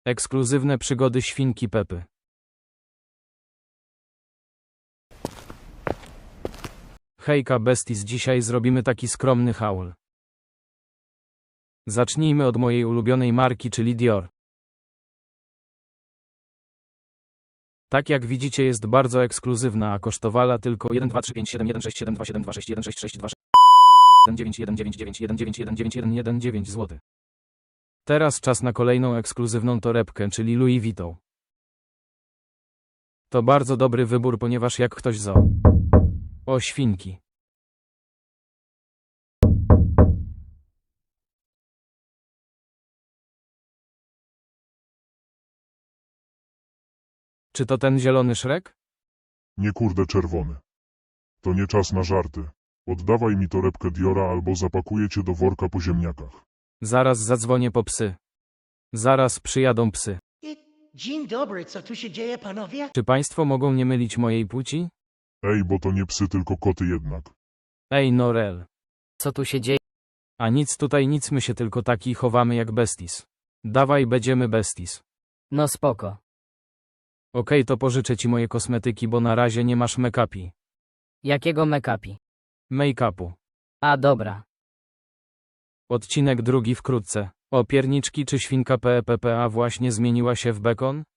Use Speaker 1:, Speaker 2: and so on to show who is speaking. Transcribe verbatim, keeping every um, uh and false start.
Speaker 1: Ekskluzywne przygody świnki Pepy. Hejka besties, dzisiaj zrobimy taki skromny haul. Zacznijmy od mojej ulubionej marki, czyli Dior. Tak jak widzicie, jest bardzo ekskluzywna, a kosztowała tylko jeden dwa trzy pięć siedem jeden sześć siedem dwa siedem dwa sześć jeden sześć sześć dwa jeden dziewięć jeden dziewięć dziewięć jeden dziewięć jeden dziewięć jeden jeden dziewięć zł. Teraz czas na kolejną ekskluzywną torebkę, czyli Louis Vuitton. To bardzo dobry wybór, ponieważ jak ktoś zo. O świnki. Czy to ten zielony Shrek?
Speaker 2: Nie kurde czerwony. To nie czas na żarty. Oddawaj mi torebkę Diora albo zapakuję cię do worka po ziemniakach.
Speaker 1: Zaraz zadzwonię po psy. Zaraz przyjadą psy.
Speaker 3: Dzień dobry, co tu się dzieje, panowie?
Speaker 1: Czy państwo mogą nie mylić mojej płci?
Speaker 2: Ej, bo to nie psy, tylko koty jednak.
Speaker 1: Ej Norel.
Speaker 4: Co tu się dzieje?
Speaker 1: A nic tutaj nic, my się tylko taki chowamy jak besties. Dawaj, będziemy besties.
Speaker 4: No spoko.
Speaker 1: Okej, to pożyczę ci moje kosmetyki, bo na razie nie masz make-upi.
Speaker 4: Jakiego make-upi?
Speaker 1: Make-upu.
Speaker 4: A dobra.
Speaker 1: Odcinek drugi wkrótce. O pierniczki, czy świnka P P P A właśnie zmieniła się w bekon?